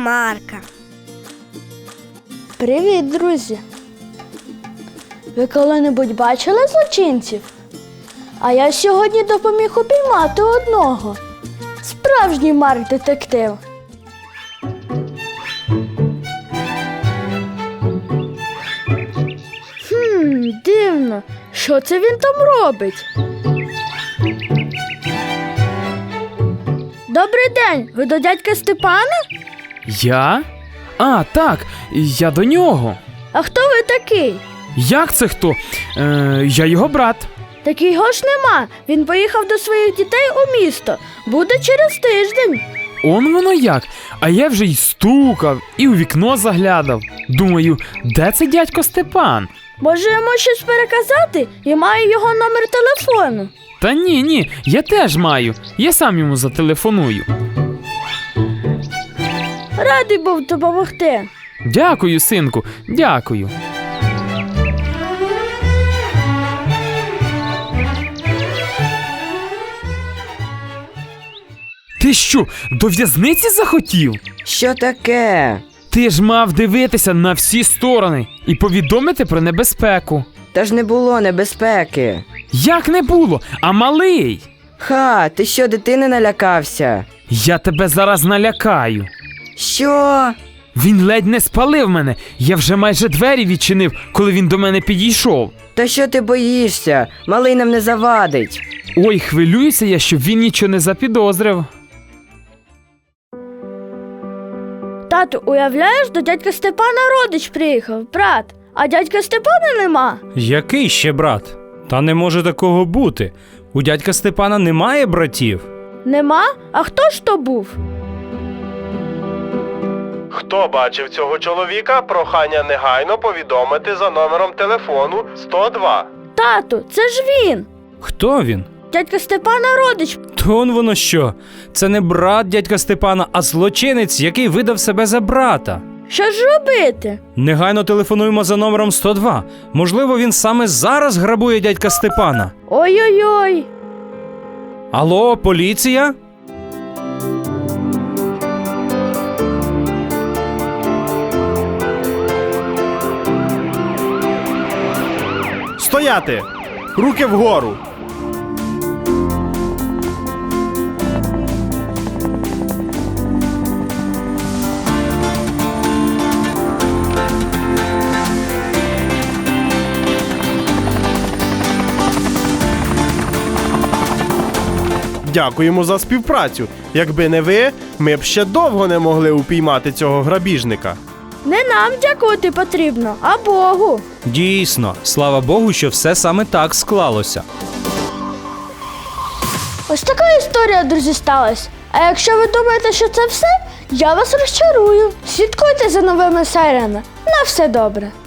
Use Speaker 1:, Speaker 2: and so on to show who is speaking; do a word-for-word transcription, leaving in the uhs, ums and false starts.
Speaker 1: Марка.
Speaker 2: Привіт, друзі! Ви коли-небудь бачили злочинців? А я сьогодні допоміг упіймати одного. Справжній Марк-детектив. Хм, дивно. Що це він там робить? Добрий день! Ви до дядька Степана?
Speaker 3: Я? А, так, я до нього.
Speaker 2: А хто ви такий?
Speaker 3: Як це хто? Е, я його брат.
Speaker 2: Так його ж нема. Він поїхав до своїх дітей у місто. Буде через тиждень.
Speaker 3: Он воно як. А я вже й стукав, і у вікно заглядав. Думаю, де це дядько Степан?
Speaker 2: Може, йому щось переказати? Я маю його номер телефону.
Speaker 3: Та ні, ні, я теж маю. Я сам йому зателефоную.
Speaker 2: Радий був допомогти.
Speaker 3: Дякую, синку, дякую. Ти що, до в'язниці захотів?
Speaker 4: Що таке?
Speaker 3: Ти ж мав дивитися на всі сторони і повідомити про небезпеку.
Speaker 4: Та ж не було небезпеки.
Speaker 3: Як не було, а малий?
Speaker 4: Ха, ти що, дитини налякався?
Speaker 3: Я тебе зараз налякаю.
Speaker 4: Що?
Speaker 3: Він ледь не спалив мене. Я вже майже двері відчинив, коли він до мене підійшов.
Speaker 4: Та що ти боїшся? Малий нам не завадить.
Speaker 3: Ой, хвилююся я, щоб він нічого не запідозрив.
Speaker 2: Тату, уявляєш, до дядька Степана родич приїхав, брат. А дядька Степана нема.
Speaker 5: Який ще брат? Та не може такого бути. У дядька Степана немає братів.
Speaker 2: Нема? А хто ж то був?
Speaker 6: Хто бачив цього чоловіка, прохання негайно повідомити за номером телефону сто два.
Speaker 2: Тату, це ж він.
Speaker 5: Хто він?
Speaker 2: Дядька Степана родич.
Speaker 5: То он воно що? Це не брат дядька Степана, а злочинець, який видав себе за брата.
Speaker 2: Що ж робити?
Speaker 5: Негайно телефонуємо за номером сто два. Можливо, він саме зараз грабує дядька Степана.
Speaker 2: Ой-ой-ой.
Speaker 5: Алло, поліція?
Speaker 6: Стояти! Руки вгору! Дякуємо за співпрацю. Якби не ви, ми б ще довго не могли упіймати цього грабіжника.
Speaker 2: Не нам дякувати потрібно, а Богу.
Speaker 5: Дійсно, слава Богу, що все саме так склалося.
Speaker 2: Ось така історія, друзі, сталася. А якщо ви думаєте, що це все, я вас розчарую. Слідкуйте за новими серіями. На все добре.